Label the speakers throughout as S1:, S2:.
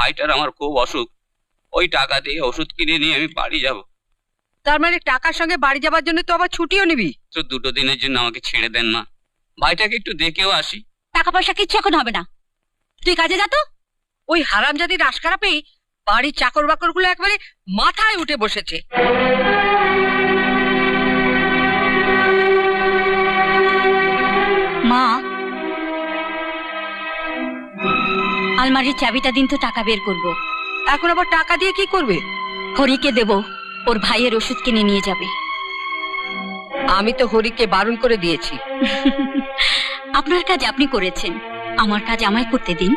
S1: ভাইটার আমার খুব অসুখ, ওই টাকা দিয়ে ওষুধ কিনে নিয়ে আমি বাড়ি যাব।
S2: তার মানে টাকার সঙ্গে বাড়ি যাবার জন্য তো আবার ছুটিও নিবি?
S1: তো 2 দিনের জন্য আমাকে ছেড়ে দেন মা, ভাইটাকে একটু দেখেও আসি।
S3: টাকা পয়সা কিচ্ছু এখন হবে না, তুই কাজে যা তো।
S2: ওই হারামজাদির আশকারা পেয়ে বাড়ির চাকর বাকর গুলো একবারে মাথায় উঠে বসেছে।
S3: মা, আলমারির চাবিটা দিন তো, টাকা বের করব।
S2: এখন আবার টাকা দিয়ে কি করবে?
S3: হরিকে দেব, ওর ভাইয়ের ওষুধ কিনে নিয়ে যাবে।
S2: আমি তো হরিকে বারণ করে দিয়েছি।
S3: আপনার কাজ আপনি করেছেন, আমার কাজ আমায় করতে দিন।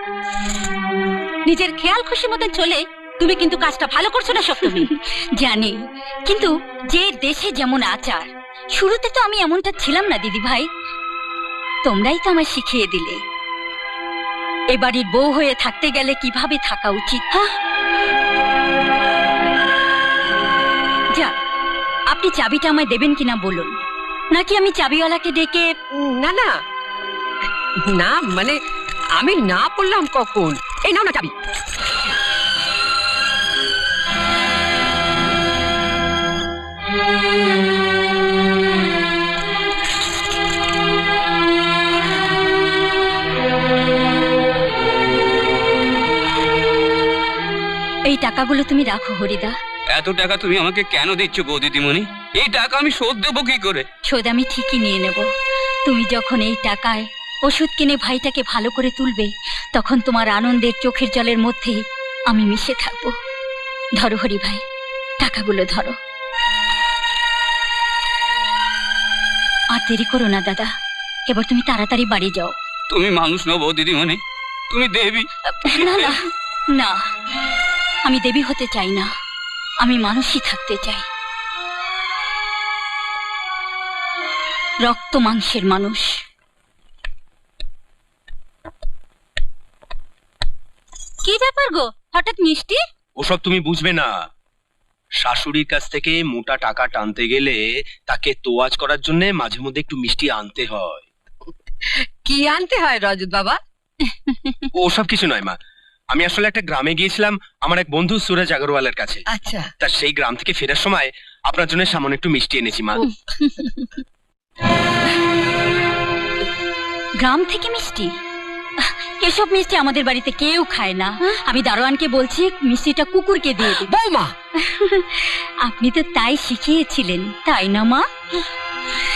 S3: নিজের খেয়াল খুশি মতন চলে তুমি কিন্তু কাজটা ভালো করছো না সপ্তমী। জানি, কিন্তু যে দেশে যেমন আচার, শুরুতে তো আমি এমনটা ছিলাম না দিদি ভাই, তোমরাই তো আমায় শিখিয়ে দিলে এ বাড়ির বউ হয়ে থাকতে গেলে কিভাবে থাকা উচিত। যা, আপনি চাবিটা আমায় দেবেন কিনা বলুন, নাকি আমি চাবিওয়ালাকে ডেকে?
S2: না না না, মানে আমি না বললাম কখন। এই নাও না চাবি।
S3: এই টাকাগুলো তুমি রাখো হরিদা।
S1: এত টাকা তুমি আমাকে কেন দিচ্ছ গো দিদিমণি? এই টাকা আমি শোধ দেবো কি করে?
S3: শোধ আমি ঠিকই নিয়ে নেব। তুমি যখন এই টাকায় ওষুধ কিনে ভাইটাকে ভালো করে তুলবে, তখন তোমার আনন্দের চোখের জলের মধ্যে আমি মিশে থাকবো। ধরো হরি ভাই, টাকাগুলো ধরো। আর দেরি করো না দাদা, এবার তুমি তাড়াতাড়ি বাড়ি যাও।
S1: তুমি মানুষ নও বৌ দিদিমণি, তুমি দেবী।
S3: না না না, আমি দেবী হতে চাই না, আমি মানুষই থাকতে চাই। রক্ত মাংসের মানুষ। কি ব্যাপার গো, হঠাৎ মিষ্টি?
S4: ওসব তুমি বুঝবে না। শাশুড়ির কাছ থেকে মোটা টাকা টানতে গেলে তাকে তোয়াজ করার জন্য মাঝে মধ্যে একটু মিষ্টি আনতে হয়।
S2: কি আনতে হয় রজত বাবা?
S4: ওসব কিছু নয় মা, আমি আসলে একটা গ্রামে গিয়েছিলাম আমার এক বন্ধু সুরজ আগরওয়ালের কাছে।
S2: আচ্ছা,
S4: তা সেই গ্রাম থেকে ফেরার সময় আপনার জন্য সামান্য একটু মিষ্টি এনেছি মা।
S3: গ্রাম থেকে মিষ্টি? এসব মিষ্টি আমাদের বাড়িতে কেউ খায় না। আমি দারোয়ানকে বলছি মিষ্টিটা কুকুরকে দিয়ে দিই।
S2: বৌমা
S3: আপনি তো তাই শিখিয়েছিলেন, তাই না মা?